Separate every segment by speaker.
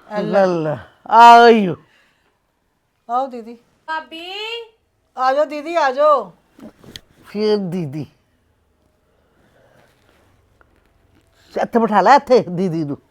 Speaker 1: ਲੈ ਆਇਓ
Speaker 2: आओ दीदी
Speaker 3: ਭਾਬੀ
Speaker 2: आ जाओ दीदी आ जाओ।
Speaker 1: ਫਿਰ ਦੀਦੀ ਇੱਥੇ ਬਿਠਾ ਲੈ ਇੱਥੇ ਦੀਦੀ ਨੂੰ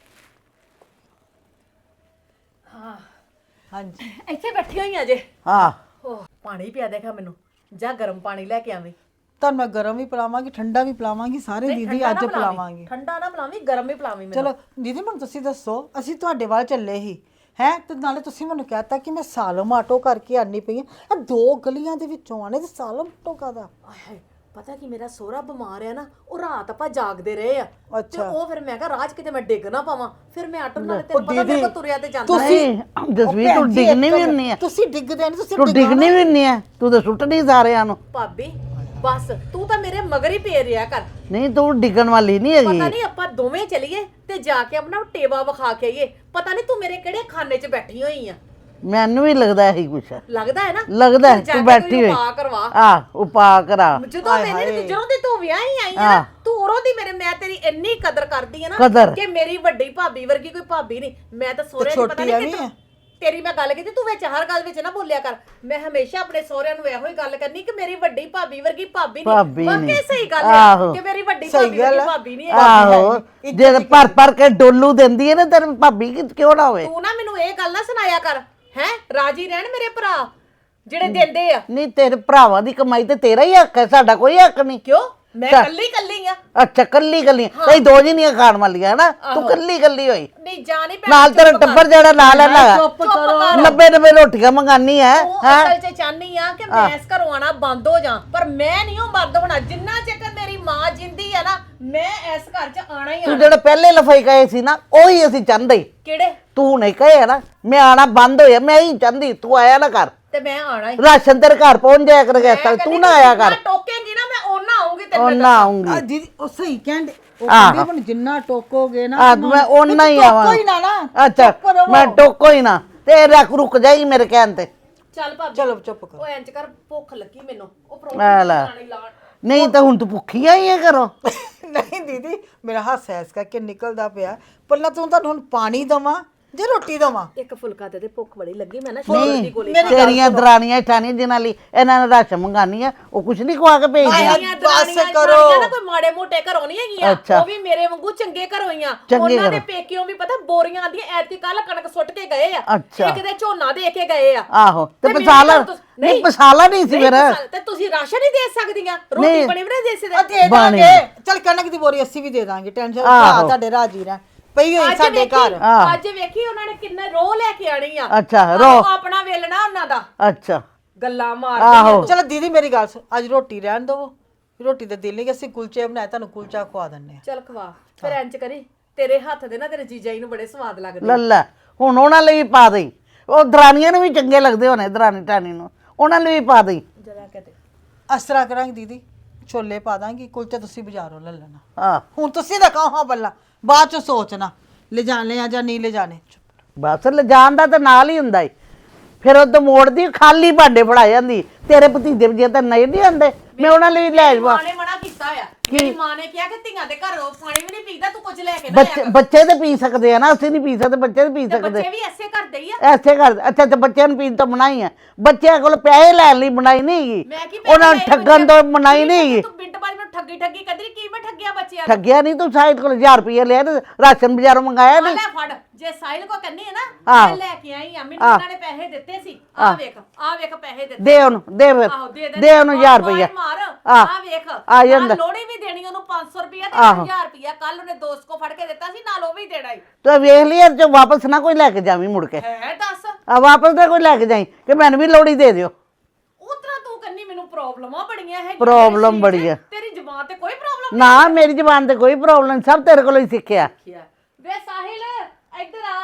Speaker 2: हाँ जी
Speaker 3: ਇੱਥੇ ਬੈਠੀ ਹੋਈ ਆ ਜੇ
Speaker 1: ਹਾਂ
Speaker 3: ਓਹ ਪਾਣੀ ਪਿਆ ਦੇਖਾ ਮੈਨੂੰ ਜਾ ਗਰਮ ਪਾਣੀ ਲੈ ਕੇ ਆਵੇਂ
Speaker 2: ਤੁਹਾਨੂੰ ਮੈਂ ਗਰਮ ਵੀ ਪਿਲਾਵਾਂਗੀ ਠੰਡਾ ਵੀ ਪਿਲਾਵਾਂਗੀ ਸਾਰੇ ਦੀਦੀ ਅੱਜ ਪਿਲਾਵਾਂਗੀ।
Speaker 3: ਠੰਡਾ ਨਾ ਪਿਲਾਵੀਂ ਗਰਮ ਵੀ ਪਿਲਾਵੀਂ ਮੈਨੂੰ
Speaker 2: ਚਲੋ ਦੀਦੀ ਮੈਨੂੰ ਤੁਸੀਂ ਦੱਸੋ ਅਸੀਂ ਤੁਹਾਡੇ ਵੱਲ ਚੱਲੇ ਹੀ ਹੈ ਤੇ ਨਾਲੇ ਤੁਸੀਂ ਮੈਨੂੰ ਕਹਿਤਾ ਕਿ ਮੈਂ ਸਾਲਮ ਆਟੋ ਕਰਕੇ ਆਨੀ ਪਈ ਆ ਦੋ ਗਲੀਆਂ ਦੇ ਵਿੱਚੋਂ ਆਣੇ ਤੇ ਸਾਲਮ ਆਟੋ ਕਾਦਾ।
Speaker 3: ਆਏ ਪਤਾ ਕੀ ਮੇਰਾ ਸੋਹਰਾ ਬਿਮਾਰ ਆ ਨਾ ਉਹ ਰਾਤ ਆਪਾਂ ਜਾਗਦੇ ਰਹੇ ਆ ਤੇ
Speaker 2: ਅੱਛਾ।
Speaker 3: ਉਹ ਫਿਰ ਮੈਂ ਕਿਹਾ ਰਾਜ ਕਿਤੇ ਮੈਂ ਡਿੱਗ ਨਾ ਪਾਵਾਂ ਫਿਰ ਮੈਂ ਆਟੋ ਨਾਲ ਤੇ ਪਤਾ ਮੇਰੇ ਕੋਲ ਤੁਰਿਆ ਤੇ ਜਾਂਦਾ
Speaker 1: ਨਹੀਂ ਜਸਵੀਰ ਤੂੰ ਡਿੱਗਣੀ ਵੀ ਹੁੰਨੀ ਆ
Speaker 2: ਤੁਸੀਂ ਡਿੱਗਦੇ ਨਹੀਂ ਤੁਸੀਂ
Speaker 1: ਤੂੰ ਡਿੱਗਣੀ ਵੀ ਹੁੰਨੀ ਆ ਤੂੰ ਤਾਂ ਸੁੱਟਣੀ ਸਾਰਿਆਂ ਨੂੰ
Speaker 3: ਭਾਬੀ ਬਸ ਤੂੰ ਤਾਂ ਮੇਰੇ ਮਗਰ ਹੀ ਪੇ ਰਿਆ ਕਰ
Speaker 1: ਨਹੀਂ ਤੂੰ ਡਿੱਗਣ ਵਾਲੀ ਨਹੀਂ ਹੈਗੀ
Speaker 3: ਪਤਾ ਨਹੀਂ ਆਪਾਂ ਦੋਵੇਂ ਚਲੀਏ ਤੇ ਜਾ ਕੇ ਆਪਣਾ ਟੇਵਾ ਵਿਖਾ ਕੇ ਆਈਏ ਪਤਾ ਨਹੀਂ ਤੂੰ ਮੇਰੇ ਕਿਹੜੇ ਖਾਨੇ 'ਚ ਬੈਠੀ ਹੋਈ ਆ
Speaker 1: ਮੈਨੂੰ ਵੀ ਲੱਗਦਾ ਇਹੀ ਕੁਛ
Speaker 3: ਲੱਗਦਾ ਹੈ ਨਾ
Speaker 1: ਲੱਗਦਾ
Speaker 3: ਫਿਰ ਜਾ
Speaker 1: ਤੂੰ
Speaker 3: ਕੇ
Speaker 1: ਬੈਠੀ
Speaker 3: ਕੋਈ
Speaker 1: ਹੋਈ
Speaker 3: ਉਪਾਅ ਕਰਵਾ
Speaker 1: ਆ ਉਪਾ ਕਰਾ
Speaker 3: ਜਦੋਂ ਮੇਰੀ ਜਦੋਂ ਦੀ ਤੂੰ ਵਿਆਹ ਹੀ ਆਈ ਆ ਨਾ ਤੂੰ ਉਰੋਂ ਦੀ ਮੈਂ ਤੇਰੀ ਇੰਨੀ ਕਦਰ ਕਰਦੀ ਆ ਨਾ
Speaker 1: ਕਦਰ।
Speaker 3: ਕਿ ਮੇਰੀ ਵੱਡੀ ਭਾਬੀ ਵਰਗੀ ਕੋਈ ਭਾਬੀ ਨਹੀਂ ਮੈਂ ਤਾਂ ਸੋਹਰੇ ਦੀ ਪਤਾ ਨਹੀਂ ਕਿ ਤੇਰੀ ਮੈਂ ਗੱਲ ਕੀਤੀ ਤੂੰ ਵਿੱਚ ਹਰ ਗੱਲ ਵਿੱਚ ਨਾ ਬੋਲਿਆ ਕਰ ਮੈਂ ਹਮੇਸ਼ਾ ਆਪਣੇ ਸਹੁਰਿਆਂ ਨੂੰ ਇਹੋ ਹੀ ਗੱਲ ਕਰਨੀ ਕਿ ਮੇਰੀ ਵੱਡੀ ਭਾਬੀ ਵਰਗੀ ਭਾਬੀ ਨਹੀਂ ਵਾਕਈ ਸਹੀ ਗੱਲ ਹੈ ਕਿ ਮੇਰੀ ਵੱਡੀ ਭਾਬੀ ਵਰਗੀ ਭਾਬੀ ਨਹੀਂ ਹੈ
Speaker 1: ਆਹੋ ਜੇ ਭਰ ਕੇ ਡੋਲੂ ਦਿੰਦੀ ਹੈ ਨਾ ਤੇਰੀ ਭਾਬੀ ਕਿਉਂ ਨਾ ਹੋਵੇ
Speaker 3: ਤੂੰ ਨਾ ਮੈਨੂੰ ਇਹ ਗੱਲ ਨਾ ਸੁਣਾਇਆ ਕਰ ਹੈ ਰਾਜੀ ਰਹਿਣ ਮੇਰੇ ਭਰਾ ਜਿਹੜੇ ਦਿੰਦੇ ਆ
Speaker 1: ਨਹੀਂ ਤੇਰੇ ਭਰਾਵਾਂ ਦੀ ਕਮਾਈ ਤੇ ਤੇਰਾ ਹੀ ਹੱਕ ਹੈ ਸਾਡਾ ਕੋਈ ਹੱਕ ਨਹੀਂ
Speaker 3: ਕਿਉਂ ਮੈਂ ਕੱਲੀ ਕੱਲੀ ਆ
Speaker 1: ਅੱਛਾ ਕੱਲੀ ਕਈ ਦੋ ਜਣੀਆਂ ਖਾਣ ਵਾਲੀਆਂ ਨਾ ਤੂੰ ਕੱਲੀ ਹੋਈ
Speaker 3: ਨਹੀਂ ਜਾਣੀ ਭੈਣ
Speaker 1: ਨਾਲ ਤੇਰਾ ਟੱਬਰ ਜਿਹੜਾ ਨਾਲ ਹੈ
Speaker 3: ਚੁੱਪ ਕਰੋ
Speaker 1: 90 ਰੋਟੀਆਂ ਮੰਗਾਨੀ ਹੈ
Speaker 3: ਉਹ ਅਸਲ 'ਚ ਚਾਹਨੀ ਆ ਕਿ ਮੈਂ ਇਸ ਘਰੋਂ ਆਣਾ ਬੰਦ ਹੋ ਜਾ ਪਰ ਮੈਂ ਨਹੀਂ ਉਹ ਬੰਦ ਹੋਣਾ ਜਿੰਨਾ ਚਿਰ ਮੇਰੀ ਮਾਂ ਜਿੰਦੀ ਆ ਨਾ ਮੈਂ ਇਸ ਘਰ 'ਚ ਆਣਾ ਹੀ
Speaker 1: ਤੂੰ
Speaker 3: ਆਣਾ
Speaker 1: ਜਿਹੜਾ ਪਹਿਲੇ ਲਫਾਈ ਕਹੇ ਸੀ ਨਾ ਉਹੀ ਅਸੀਂ ਚਾਹੁੰਦੇ
Speaker 3: ਕਿਹੜੇ
Speaker 1: ਤੂੰ ਨਹੀਂ ਕਹੇ ਨਾ ਮੈਂ ਆਣਾ ਬੰਦ ਹੋਇਆ ਮੈਂ ਹੀ ਚਾਹੁੰਦੀ ਤੂੰ ਆਇਆ ਨਾ ਕਰ
Speaker 3: ਤੇ ਮੈਂ ਆਣਾ ਹੀ
Speaker 1: ਰਾਸ਼ਨ ਤੇਰੇ ਘਰ ਪਹੁੰਚ ਜਾਇਆ ਕਰੇਗਾ ਤੂੰ ਨਾ ਆਇਆ ਕਰ
Speaker 3: ਟੋਕੇਂਗੀ ਨਾ ਮੈਂ ਉਹਨਾਂ ਆਉਂਗੀ ਤੇਰੇ
Speaker 1: ਉਹ ਨਾ ਆਉਂਗੀ
Speaker 2: ਆ ਦੀਦੀ ਉਹ ਸਹੀ ਕਹਿੰਦੇ ਉਹ ਕਹਿੰਦੇ ਹੁਣ ਜਿੰਨਾ ਟੋਕੋਗੇ ਨਾ
Speaker 1: ਮੈਂ ਓਨਾ ਹੀ ਆਵਾਂ
Speaker 2: ਕੋਈ ਨਾ ਨਾ
Speaker 1: ਅੱਛਾ ਮੈਂ ਟੋਕੋ ਹੀ ਨਾ ਤੇ ਰੁਕ ਜਾਏਗੀ ਮੇਰੇ ਕਹਿਣ ਤੇ
Speaker 3: ਚੱਲ ਭਾਬੀ
Speaker 2: ਚਲੋ ਚੁੱਪ ਕਰੋ
Speaker 3: ਉਹ ਇੰਜ ਕਰ ਭੁੱਖ ਲੱਗੀ ਮੈਨੂੰ ਉਹ
Speaker 1: ਲੈ
Speaker 3: ਪਰੌਂਠੀ
Speaker 1: ਲੈ।
Speaker 3: ਖਾਣੀ ਲਾਣ
Speaker 1: ਨਹੀਂ ਤਾਂ ਹੁਣ ਤੂੰ ਭੁੱਖੀ ਆਈ ਹੈ ਘਰੋਂ
Speaker 2: ਨਹੀਂ ਦੀਦੀ ਮੇਰਾ ਹੱਥ ਐਸ ਕਰਕੇ ਨਿਕਲਦਾ ਪਿਆ ਪਹਿਲਾਂ ਤੂੰ ਤੁਹਾਨੂੰ ਹੁਣ ਪਾਣੀ ਦਵਾਂ ਜੇ ਰੋਟੀ ਦਵਾਂ
Speaker 3: ਇੱਕ ਫੁਲਕਾ ਦੇ ਭੁੱਖ ਬੜੀ ਲੱਗੀ ਮੈਂ ਨਾ ਸ਼ੂਗਰ ਦੀ ਗੋਲੀ
Speaker 1: ਤੇਰੀਆਂ ਦਰਾਣੀਆਂ ਠਾਣੀਆਂ ਜਿਨ੍ਹਾਂ ਲਈ ਇਹਨਾਂ ਨੇ ਰਾਸ਼ਨ ਮੰਗਾਨੀ ਆ ਉਹ ਕੁਛ ਨਹੀਂ ਖਵਾ ਕੇ ਭੇਜਦੀਆਂ
Speaker 3: ਮੇਰੀਆਂ ਦਰਾਣੀਆਂ ਨਾ ਕੋਈ ਮਾੜੇ ਮੋਟੇ ਘਰੋਂ ਨਹੀਂ ਹੈਗੀਆਂ ਉਹ ਵੀ ਮੇਰੇ ਵਾਂਗੂ ਚੰਗੇ ਘਰੋਂ ਹੀ ਆ ਉਹਨਾਂ ਦੇ ਪੇਕਿਓਂ ਵੀ ਪਤਾ ਬੋਰੀਆਂ ਆਂਦੀਆਂ ਐਤੀ ਕੱਲ ਕਣਕ ਸੁੱਟ ਕੇ ਗਏ ਆ ਇੱਕ ਦੇ ਝੋਨਾ ਦੇ ਕੇ ਗਏ ਆ
Speaker 1: ਆਹੋ ਤੇ ਪਸਾਲਾ ਨਹੀਂ ਪਸਾਲਾ ਨਹੀਂ ਸੀ ਫਿਰ
Speaker 3: ਤੇ ਤੁਸੀਂ ਰਾਸ਼ਨ ਹੀ ਦੇ ਸਕਦੀਆਂ ਰੋਟੀ ਬਣੀ ਵੀ ਨਹੀਂ ਦੇ ਸਕਦੇ
Speaker 2: ਦੇ ਦਾਂਗੇ ਚਲ ਕਣਕ ਦੀ ਬੋਰੀ ਅਸੀਂ ਵੀ ਦੇ ਦਾਂਗੇ ਟੈਨਸ਼ਨ ਆ ਤੁਹਾਡੇ ਰਾਜੀ ਰਹਿ ਪਈ ਹੋਈ ਸਾਡੇ ਘਰ
Speaker 3: ਅੱਜ ਵੇਖੀ ਉਹਨਾਂ ਨੇ ਕਿੰਨੇ ਰੋਹ ਲੈ ਕੇ ਆਣੀ ਆ
Speaker 1: ਅੱਛਾ
Speaker 3: ਆਪਣਾ ਵੇਲਣਾ ਉਹਨਾਂ ਦਾ
Speaker 1: ਅੱਛਾ
Speaker 3: ਗੱਲਾਂ ਮਾਰਦੇ
Speaker 2: ਚਲੋ ਦੀਦੀ ਮੇਰੀ ਗੱਲ ਸੁਣ ਅੱਜ ਰੋਟੀ ਰਹਿਣ ਦਵੋ ਰੋਟੀ ਦਾ ਦਿਲ ਨਹੀਂ ਕਿ ਅਸੀਂ ਕੁਲਚੇ ਬਣਾਏ ਤੁਹਾਨੂੰ ਕੁਲਚਾ ਖਵਾ ਦਿੰਨੇ ਆ
Speaker 3: ਚੱਲ ਖਵਾ ਫਿਰ ਇੰਜ ਕਰੀ ਤੇਰੇ ਹੱਥ ਦੇ ਨਾ ਤੇਰੇ ਜੀਜਾ ਜੀ ਨੂੰ ਬੜੇ ਸਵਾਦ ਲੱਗਦੇ
Speaker 1: ਲੱਲਾ ਹੁਣ ਉਹਨਾਂ ਲਈ ਵੀ ਪਾ ਦੇ ਉਹ ਦਰਾਨੀਆਂ ਨੂੰ ਵੀ ਚੰਗੇ ਲੱਗਦੇ ਹੋਣੇ ਦਰਾਨੀ ਟਾਨੀ ਨੂੰ ਉਹਨਾਂ ਲਈ ਵੀ ਪਾ ਦੇ
Speaker 3: ਜਰਾ ਕਹਤੇ
Speaker 2: ਅਸਰਾ ਕਰਾਂਗੇ ਦੀਦੀ ਛੋਲੇ ਪਾ ਦਾਂਗੀ ਕੁਲਚਾ ਤੁਸੀਂ ਬਾਜ਼ਾਰੋਂ ਲੈ ਲੈਣਾ
Speaker 1: ਹਾਂ
Speaker 2: ਹੁਣ ਤੁਸੀਂ ਤਾਂ ਕਹੋ ਹਾਂ ਬੱਲਾ ਬਾਅਦ ਚ ਸੋਚਣਾ ਲੈ ਜਾਣੇ ਆ ਜਾਂ ਨਹੀਂ ਲੈ ਜਾਣੇ
Speaker 1: ਬਸ ਲਿਜਾਣ ਦਾ ਤਾਂ ਨਾਲ ਹੀ ਹੁੰਦਾ ਈ ਫਿਰ ਉਹ ਤੋਂ ਮੋੜਦੀ ਖਾਲੀ ਭਾਂਡੇ ਫੜਾ ਜਾਂਦੀ ਤੇਰੇ ਭਤੀਜੇ ਵਜੇ ਤਾਂ ਨਹੀਂ ਆਉਂਦੇ ਮੈਂ ਉਹਨਾਂ ਲਈ ਲੈ ਜਾਵਾਂ
Speaker 3: ਮਾਂ ਨੇ ਮਨਾ ਕੀਤਾ ਆ ਮੇਰੀ ਮਾਂ ਨੇ ਕਿਹਾ ਕਿ ਧੀਆਂ ਦੇ ਘਰੋਂ ਪਾਣੀ ਵੀ ਨਹੀਂ ਪੀਦਾ ਤੂੰ ਕੁਝ ਲੈ ਕੇ ਨਾ
Speaker 1: ਬੱਚੇ ਤੇ ਪੀ ਸਕਦੇ ਆ ਨਾ ਅਸੀਂ ਨਹੀਂ ਪੀ ਸਕਦੇ ਬੱਚੇ ਤੇ ਪੀ ਸਕਦੇ
Speaker 3: ਬੱਚੇ ਵੀ ਐਸੇ ਕਰਦੇ ਹੀ ਆ
Speaker 1: ਐਸੇ ਕਰ ਅੱਛਾ ਤੇ ਬੱਚਿਆਂ ਨੂੰ ਪੀਣ ਤੋਂ ਮਨਾਈ ਹੈ ਬੱਚਿਆਂ ਕੋਲ ਪੈਸੇ ਲੈਣ ਲਈ ਬਣਾਈ ਨਹੀਂ ਹੈਗੀ ਉਹਨਾਂ ਨੂੰ ਠੱਗਣ ਤੋਂ ਮਨਾਈ ਨਹੀਂ ਹੈਗੀ
Speaker 3: ਤੂੰ ਬਿੰਟ ਬਾਜ ਨੂੰ ਠੱਗੀ ਕਦਰੀ ਕੀ ਮੈਂ ਠੱਗਿਆ ਬੱਚਿਆਂ
Speaker 1: ਠੱਗਿਆ ਨਹੀਂ ਤੂੰ ਸਾਹਿਲ ਕੋਲ 1000 ਰੁਪਏ ਲਿਆ ਤੇ ਰਾਸ਼ਨ ਬਾਜ਼ਾਰੋਂ ਮੰਗਾਇਆ ਨਹੀਂ
Speaker 3: ਲੈ ਫੜ ਜੇ ਸਾਹਿਲ ਕੋ ਕੰਨੀ ਹੈ ਨਾ ਮੈਂ ਲੈ ਕੇ ਆਈ ਆ ਮੈਨੂੰ ਉਹਨਾਂ ਨੇ ਪੈਸੇ ਦਿੱਤੇ ਸੀ ਆ ਵੇਖ ਪੈਸੇ ਦਿੱਤੇ
Speaker 1: ਦੇ ਉਹਨੂੰ ਦੇ ਫਿਰ ਦੇ ਉਹਨੂੰ 1000 ਰੁਪਏ
Speaker 3: ਮਾਰ ਆ ਵੇਖ
Speaker 1: ਆ ਜਾਂਦਾ
Speaker 3: ਲੋੜੀ ਵੀ ਦੇਣੀ ਉਹਨੂੰ 500 ਰੁਪਏ ਤੇ 1000 ਰੁਪਏ ਕੱਲ ਉਹਨੇ ਦੋਸਤ ਕੋ ਫੜ ਕੇ ਦਿੱਤਾ ਸੀ ਨਾਲ ਉਹ ਵੀ ਦੇਣਾ ਹੀ
Speaker 1: ਤੂੰ ਵੇਖ ਲਈ ਜੋ ਵਾਪਸ ਨਾ ਕੋਈ ਲੈ ਕੇ ਜਾਵੀਂ ਮੁੜ ਕੇ
Speaker 3: ਹੈ ਦੱਸ
Speaker 1: ਆ ਵਾਪਸ ਨਾ ਕੋਈ ਲੈ ਕੇ ਜਾਈਂ ਕਿ ਮੈਨੂੰ ਵੀ ਲੋੜੀ ਦੇ ਦਿਓ
Speaker 3: ਉਤਰਾ ਤੂੰ ਕੰਨੀ ਮੈਨੂੰ ਪ੍ਰੋਬਲਮਾਂ ਬੜੀਆਂ ਹੈ
Speaker 1: ਪ੍ਰੋਬਲਮ ਬੜੀ ਹੈ
Speaker 3: ਤੇਰੀ ਜ਼ੁਬਾਨ ਤੇ ਕੋਈ ਪ੍ਰੋਬਲਮ
Speaker 1: ਨਾ ਮੇਰੀ ਜ਼ਬਾਨ ਤੇ ਕੋਈ ਪ੍ਰੋਬਲਮ ਨਹੀਂ ਸਭ ਤੇਰੇ ਕੋਲੋਂ ਹੀ ਸਿੱਖਿਆ
Speaker 3: ਵੇ ਸਾਹਿਲ ਇੱਧਰ ਆ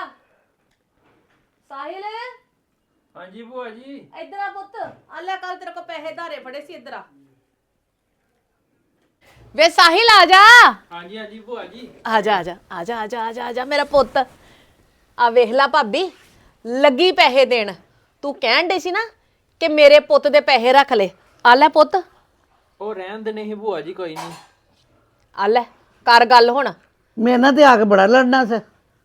Speaker 3: ਸਾਹਿਲ
Speaker 4: ਹਾਂਜੀ ਭੂਆ ਜੀ
Speaker 3: ਇੱਧਰ ਆ ਪੁੱਤ ਆ ਲੈ ਕੱਲ ਤੇਰੇ ਕੋ ਪੈਸੇ ਧਾਰੇ ਫੜੇ ਸੀ ਇੱਧਰ ਆ ਵੇ ਸਾਹਿਲ ਆ ਜਾ
Speaker 4: ਹਾਂਜੀ ਹਾਂਜੀ ਭੂਆ ਜੀ
Speaker 3: ਆ ਜਾ ਆ ਜਾ ਆ ਜਾ ਆ ਜਾ ਆ ਜਾ ਆ ਜਾ ਮੇਰਾ ਪੁੱਤ ਆ ਵੇਖ ਲੈ ਭਾਬੀ ਲੱਗੀ ਪੈਸੇ ਦੇਣ ਤੂੰ ਕਹਿਣ ਡੇ ਸੀ ਨਾ ਕਿ ਮੇਰੇ ਪੁੱਤ ਦੇ ਪੈਸੇ ਰੱਖ ਲੈ ਆ ਲੈ ਪੁੱਤ
Speaker 4: ਉਹ ਰਹਿਣ ਦੇ ਨਹੀਂ ਭੂਆ ਜੀ ਕੋਈ ਨਹੀਂ
Speaker 3: ਆ ਲੈ ਕਰ ਗੱਲ ਹੁਣ
Speaker 1: ਮੇਰੇ ਨਾਲ ਤੇ ਆ ਕੇ ਬੜਾ ਲੜਨਾ ਸੀ